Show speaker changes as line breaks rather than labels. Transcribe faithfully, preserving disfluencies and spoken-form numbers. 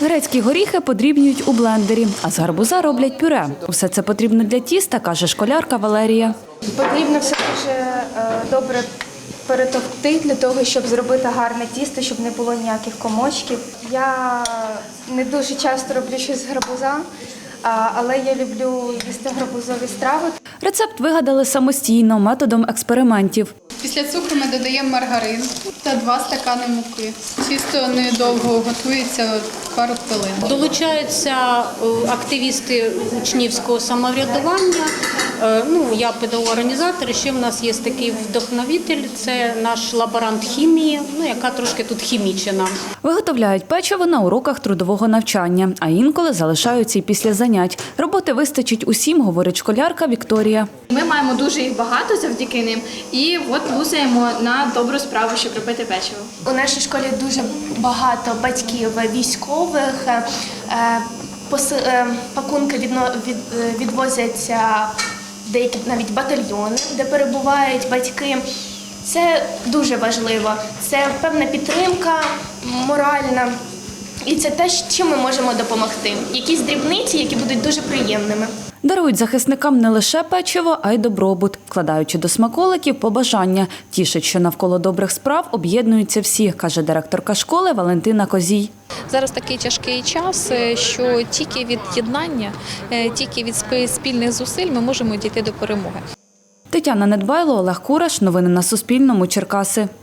Грецькі горіхи подрібнюють у блендері, а з гарбуза роблять пюре. Усе це потрібно для тіста, каже школярка Валерія.
Потрібно все дуже е, добре перетовкти для того, щоб зробити гарне тісто, щоб не було ніяких комочків. Я не дуже часто роблю щось з гарбуза, а, але я люблю їсти гарбузові страви.
Рецепт вигадали самостійно, методом експериментів.
Після цукру ми додаємо маргарин та два стакани муки. Тісто недовго готується, пару хвилин.
Долучаються активісти учнівського самоврядування. Ну, я педагог-організатор, ще в нас є такий вдохновитель, це наш лаборант хімії, ну, яка трошки тут хімічена.
Виготовляють печиво на уроках трудового навчання, а інколи залишаються і після занять. Роботи вистачить усім, говорить школярка Вікторія.
Ми маємо дуже їх багато завдяки ним і от лузаємо на добру справу, щоб робити печиво.
У нашій школі дуже багато батьків військових. Е, поси, е, пакунки відно, від, відвозяться в деякі навіть батальйони, де перебувають батьки. Це дуже важливо. Це певна підтримка моральна. І це те, чим ми можемо допомогти. Якісь дрібниці, які будуть дуже приємними.
Дарують захисникам не лише печиво, а й добробут, вкладаючи до смаколиків побажання. Тішить, що навколо добрих справ об'єднуються всі, каже директорка школи Валентина Козій.
Зараз такий тяжкий час, що тільки від єднання, тільки від спільних зусиль ми можемо дійти до перемоги.
Тетяна Недбайло, Олег Кураш. Новини на Суспільному. Черкаси.